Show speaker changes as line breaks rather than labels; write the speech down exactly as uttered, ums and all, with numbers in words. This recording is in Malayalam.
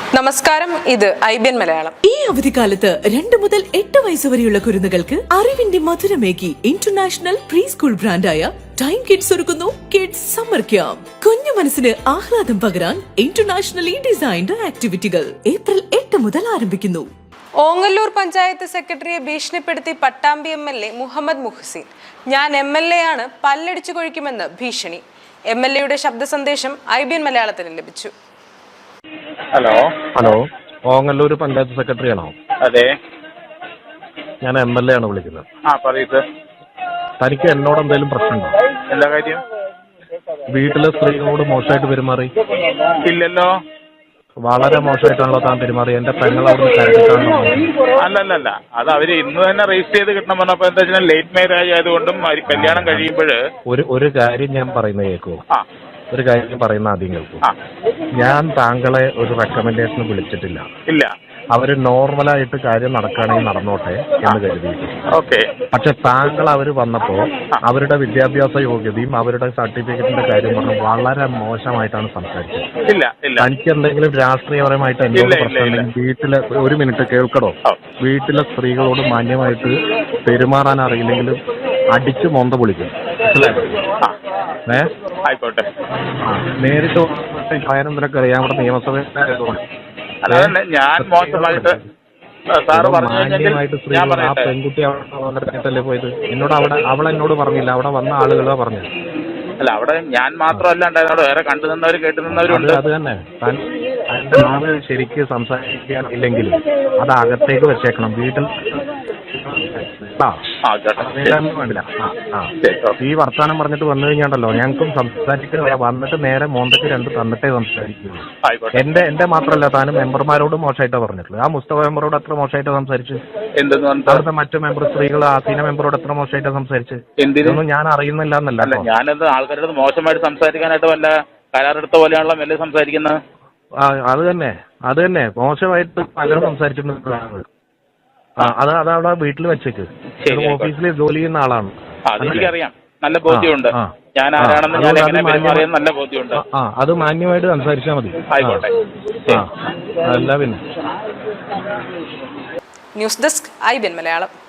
നമസ്കാരം, ഇത് ഐ ബി എൻ മലയാളം.
ഈ അവധിക്കാലത്ത് രണ്ട് മുതൽ എട്ട് വയസ്സ് വരെയുള്ള കുരുന്നുകൾക്ക് അറിവിന്റെ മധുരമേകി ഇന്റർനാഷണൽ പ്രീ സ്കൂൾ ബ്രാൻഡായ ടൈം കിഡ്സ് ഒരുക്കുന്നു കിഡ്സ് സമ്മർ ക്യാമ്പ്. കുഞ്ഞു മനസ്സിന് ആഹ്ലാദം പകരാൻ ഇന്റർനാഷണലി ഡിസൈൻഡ് ആക്ടിവിറ്റികൾ ഏപ്രിൽ എട്ട് മുതൽ ആരംഭിക്കുന്നു.
ഓങ്ങല്ലൂർ പഞ്ചായത്ത് സെക്രട്ടറിയെ ഭീഷണിപ്പെടുത്തി Pattambi M L A Muhammad Muhsin. ഞാൻ എം എൽ എ ആണ്, പല്ലടിച്ചു കൊഴിക്കുമെന്ന് ഭീഷണി. എം എൽ എയുടെ ശബ്ദ സന്ദേശം ഐ ബി എൻ മലയാളത്തിന് ലഭിച്ചു.
Hello
hello Ongallur panchayat secretary ആണോ?
അതെ,
ഞാൻ എം എൽ എ ആണ് വിളിക്കുന്നത്.
ആ പറയൂ സർ.
തനിക്ക് എന്നോട് എന്തെങ്കിലും പ്രശ്നമുണ്ടോ?
എന്താ കാര്യം?
വീട്ടിലെ സ്ത്രീകളോട് മോശമായിട്ട് പെരുമാറി?
ഇല്ലല്ലോ.
വളരെ മോശമായിട്ടാണല്ലോ താൻ പെരുമാറി. എന്റെ പെങ്ങളോട് കരടിട്ടാണല്ലോ.
അല്ലല്ല, അത് അവര് ഇന്ന് തന്നെ രജിസ്റ്റർ ചെയ്ത് കിട്ടണം പറഞ്ഞപ്പോ എന്താ വെച്ചാൽ ലേറ്റ് മാരേജ് ആയതുകൊണ്ടും കല്യാണം കഴിയുമ്പോൾ
ഒരു ഒരു കാര്യം ഞാൻ പറയുന്നത് കേൾക്കൂ.
ആ
ഒരു കാര്യം പറയുന്ന ആദ്യം കേൾക്കൂ. ഞാൻ താങ്കളെ ഒരു റെക്കമെൻഡേഷന് വിളിച്ചിട്ടില്ല.
ഇല്ല,
അവര് നോർമലായിട്ട് കാര്യം നടക്കുകയാണെങ്കിൽ നടന്നോട്ടെ എന്ന് കരുതിയിട്ട്.
ഓക്കെ.
പക്ഷെ താങ്കൾ അവര് വന്നപ്പോ അവരുടെ വിദ്യാഭ്യാസ യോഗ്യതയും അവരുടെ സർട്ടിഫിക്കറ്റിന്റെ കാര്യം പറഞ്ഞ് വളരെ മോശമായിട്ടാണ് സംസാരിച്ചത്.
ഇല്ല ഇല്ല,
തനിക്ക് എന്തെങ്കിലും രാഷ്ട്രീയപരമായിട്ട് എന്നോട് പ്രശ്നമുണ്ടെങ്കിൽ വീട്ടിലെ ഒരു മിനിറ്റ് കേൾക്കണോ? വീട്ടിലെ സ്ത്രീകളോട് മാന്യമായിട്ട് പെരുമാറാൻ അറിയില്ലെങ്കിലും അടിച്ച് മൊന്ത പൊളിക്കും. ഏ
ആയിക്കോട്ടെ.
നേരിട്ട് കാര്യം നിനക്ക് അറിയാം. ഇവിടെ നിയമസഭയിലായതുകൊണ്ട്
അതന്നെ ഞാൻ മോശമായിട്ട് സാറ്
മാന്യമായിട്ട് സ്ത്രീകൾ ആ പെൺകുട്ടി അവിടെ പോയത് എന്നോട് അവിടെ അവൾ എന്നോട് പറഞ്ഞില്ല, അവിടെ വന്ന ആളുകളാ പറഞ്ഞത്.
അല്ല, അവിടെ ഞാൻ മാത്രമല്ല ഉണ്ടായിരുന്നോട്, വേറെ കണ്ടു നിന്നവരും കേട്ടു നിന്നവരുണ്ട്.
അത് തന്നെ താൻ തന്റെ നാവ് ശരിക്ക് സംസാരിക്കാൻ ഇല്ലെങ്കിൽ അത് അകത്തേക്ക് വെച്ചേക്കണം. വീട്ടിൽ വേണ്ടില്ല. ഈ വർത്താനം പറഞ്ഞിട്ട് വന്നു കഴിഞ്ഞാണ്ടല്ലോ ഞങ്ങൾക്കും സംസാരിക്കുക. വന്നിട്ട് നേരെ മോന്തക്ക് രണ്ട് തന്നിട്ടേ സംസാരിക്കുള്ളൂ. എന്റെ എന്റെ മാത്രമല്ല, താനും മെമ്പർമാരോട് മോശമായിട്ടാ പറഞ്ഞിട്ടുള്ളത്. ആ മുസ്തഫ മെമ്പറോട് എത്ര മോശമായിട്ടാ സംസാരിച്ചു? അവിടുത്തെ മറ്റു മെമ്പർ സ്ത്രീകൾ ആസീന മെമ്പറോട് എത്ര മോശമായിട്ടാ സംസാരിച്ചു? ഇതൊന്നും ഞാൻ അറിയുന്നില്ല എന്നല്ല.
ഞാനത് ആൾക്കാരോട് മോശമായിട്ട് സംസാരിക്കാനായിട്ട് വല്ല കരാറെടുത്ത പോലെയാണല്ലോ മെല്ലെ സംസാരിക്കുന്നത്.
അത് തന്നെ അത് തന്നെ മോശമായിട്ട് പലരും സംസാരിച്ചിട്ടുണ്ട്. ആ അത് അതവിടെ വീട്ടിൽ വെച്ചേക്ക്. ഓഫീസിൽ ജോലി ചെയ്യുന്ന ആളാണ്.
അതെനിക്കറിയാം, നല്ല ബോധ്യമുണ്ട്. ഞാൻ ആരാണെന്ന് ഞാൻ എങ്ങനെ പെരുമാറിയെന്ന് നല്ല ബോധ്യമുണ്ട്.
ആ അത് മാന്യമായിട്ട് സംസാരിച്ചാൽ മതി.
ആയിക്കോട്ടെ.
ആ അല്ല പിന്നെ.
News desk I B N Malayalam.